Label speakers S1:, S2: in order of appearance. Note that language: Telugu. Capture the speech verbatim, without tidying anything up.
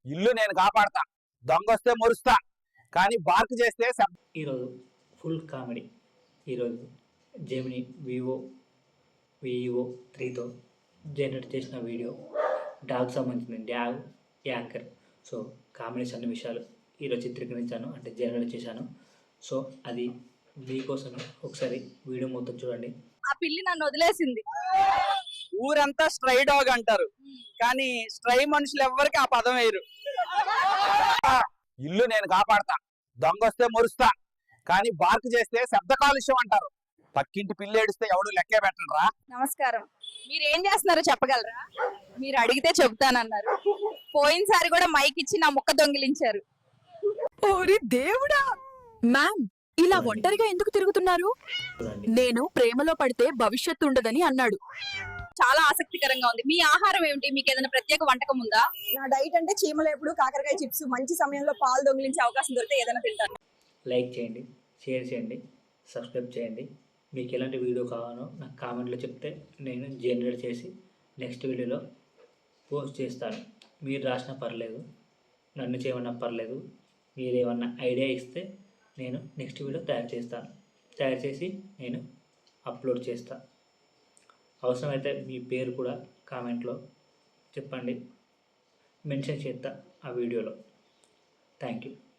S1: ఇల్లు నేను కాపాడతా, దొంగొస్తే మురుస్తా, కానీ బార్క్ చేస్తే శబ్
S2: ఈరోజు ఫుల్ కామెడీ. ఈరోజు జెమిని వివో వివో త్రీతో జనరేట్ చేసిన వీడియో డాగ్ సంబంధించిన డ్యాగ్ యాంకర్. సో కామెడీ సన్నివేశాలు ఈరోజు చిత్రీకరించాను, అంటే జనరేట్ చేశాను. సో అది మీకోసమే, ఒకసారి వీడియో మొత్తం చూడండి.
S3: ఆ పిల్లి నన్ను వదిలేసింది.
S4: ఊరంతా స్ట్రై డాగ్ అంటారు, కానీ స్ట్రై మనుషులు ఎవ్వరికి ఆ పదం వేయరు.
S1: ఇల్లు నేను కాపాడతా, దొంగొస్తే మురుస్తా, కానీ బార్క్ చేస్తే శబ్ద కాలుష్యం అంటారు. పక్కింటి పిల్లి ఏడిస్తే ఎవడు లెక్కే పెట్టండిరా.
S3: నమస్కారం. మీరు ఏం చేస్తున్నారో చెప్పగలరా? మీరు అడిగితే చెబుతానన్నారు. పోయినసారి కూడా మైక్ ఇచ్చి నా ముక్క దొంగిలించారు.
S5: ఓరి దేవుడా! మ్యామ్, ఇలా ఒంటరిగా ఎందుకు తిరుగుతున్నారు? నేను ప్రేమలో పడితే భవిష్యత్తు ఉండదని అన్నాడు.
S3: చాలా ఆసక్తికరంగా ఉంది. మీ ఆహారం ఏమిటి? మీకు ఏదైనా ప్రత్యేక వంటకం ఉందా?
S6: నా డైట్ అంటే చీమలేపుడు, కాకరకాయ చిప్స్. మంచి సమయంలో పాలు దొంగిలించే అవకాశం దొరికితే ఏదైనా తింటాను.
S2: లైక్ చేయండి, షేర్ చేయండి, సబ్స్క్రైబ్ చేయండి. మీకు ఎలాంటి వీడియో కావాలో నాకు కామెంట్లో చెప్తే నేను జనరేట్ చేసి నెక్స్ట్ వీడియోలో పోస్ట్ చేస్తాను. మీరు రాసినా పర్లేదు, నన్ను చేయమన్నా పర్లేదు. మీరు ఏమన్నా ఐడియా ఇస్తే నేను నెక్స్ట్ వీడియో తయారు చేస్తాను. తయారు చేసి నేను అప్లోడ్ చేస్తాను. అవసరమైతే మీ పేరు కూడా కామెంట్లో చెప్పండి, మెన్షన్ చేస్తా ఆ వీడియోలో. Thank you.